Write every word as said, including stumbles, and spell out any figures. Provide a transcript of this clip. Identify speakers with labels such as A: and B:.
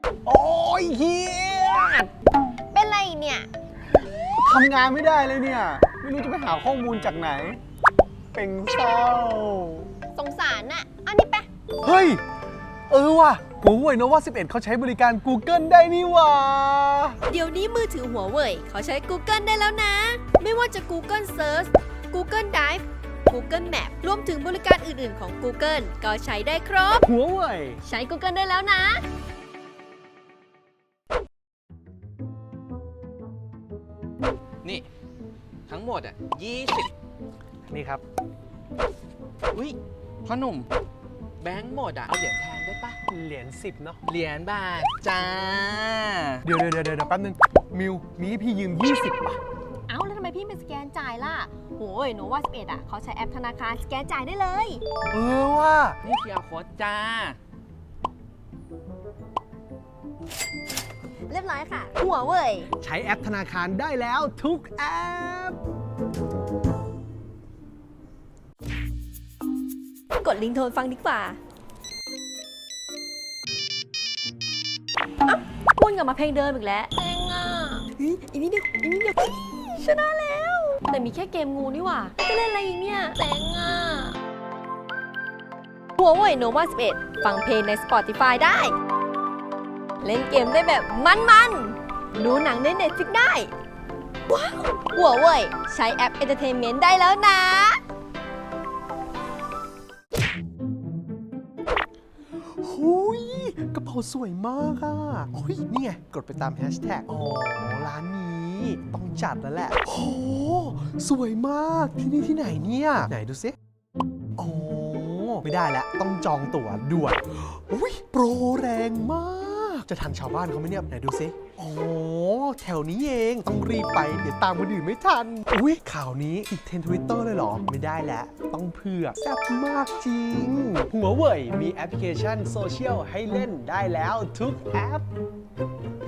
A: โอ้ยเฮีย
B: เป็นไรเนี่ย
A: ทำงานไม่ได้เลยเนี่ย ไม่รู้จะไปหาข้อมูลจากไหน เป็นเศร้า
B: สงสารน่ะอันนี้ไป
A: เฮ้ย เออว่ะหัวเว่ยโนวาสิบเอ็ดเขาใช้บริการ Google ได้นี่หว่า
C: เดี๋ยวนี้มือถือหัวเว่ยเขาใช้ Google ได้แล้วนะ ไม่ว่าจะ Google Search Google Drive Google Map รวมถึงบริการอื่น ๆ ของ Google ก็ใช้ได้ครบ
A: หัวเว่ย
C: ใช้ Google ได้แล้วนะ
D: นี่ทั้งหมดอ่ะยี่สิบ
A: นี่ครับ
D: อุ้ยพ่อหนุ่มแบงค์หมดอ่ะ เอาเหรียญแทนได้ปะ
A: เหรียญสิบเนาะ
D: เหรียญบาทจ้า
A: เดี๋ยวเดี๋ยวเดี๋ยวแป๊บนึง มิวมีให้พี่ยืม ยี่สิบ ป่ะ
C: เอ้าแล้วทำไมพี่ไม่สแกนจ่ายล่ะโอ้ยโนวาสิบเอ็ดอ่ะเขาใช้แอปธนาคารสแกนจ่ายได้เลย
A: เออว่ะ
D: นี่เคียร์โค้ดจ้า
C: เรียบร้อยค่ะ หัวเว่ย
A: ใช้แอปธนาคารได้แล้วทุกแอป
C: กดลิงก์โทนฟังดีกว่าวนกลับมาเพลงเดิมอีกแล้วเพลงอ่ะเฮ้ยอีกนิดเดียวอีกนิดเดียวชนะแล้ว แต่มีแค่เกมงูนี่หว่าจะเล่นอะไรอีกเนี่ยเพลงอ่ะหัวเว่ยโนวาสิบเอ็ดฟังเพลงใน Spotify ได้ เล่นเกมได้แบบมันๆ ดูหนังใน Netflix ได้ ว้าวหัวเว่ยใช้แอป Entertainment ได้แล้วนะ
A: หุยกระเป๋าสวยมากอ่ะโอ้ยนี่ไง กดไปตามแฮชแท็กอ๋อ ร้านนี้ต้องจัดแล้วแหละโหสวยมากที่นี่ที่ไหนเนี่ย ไหนดูซิอ๋อไม่ได้แล้ว ต้องจองตั๋วด่วนอุ้ยโปรแรงมาก จะทันชาวบ้านเขาไหมเนี่ย ไหนดูซิอ๋อแถวนี้เองต้องรีบไป เดี๋ยวตามคนอื่นไม่ทัน อุ้ยข่าวนี้ติดเทรนด์ทวิตเตอร์เลยเหรอ ไม่ได้แล้ว ต้องเผือกแซ่บมากจริง หัวเว่ยมีแอปพลิเคชันโซเชียลให้เล่นได้แล้วทุกแอป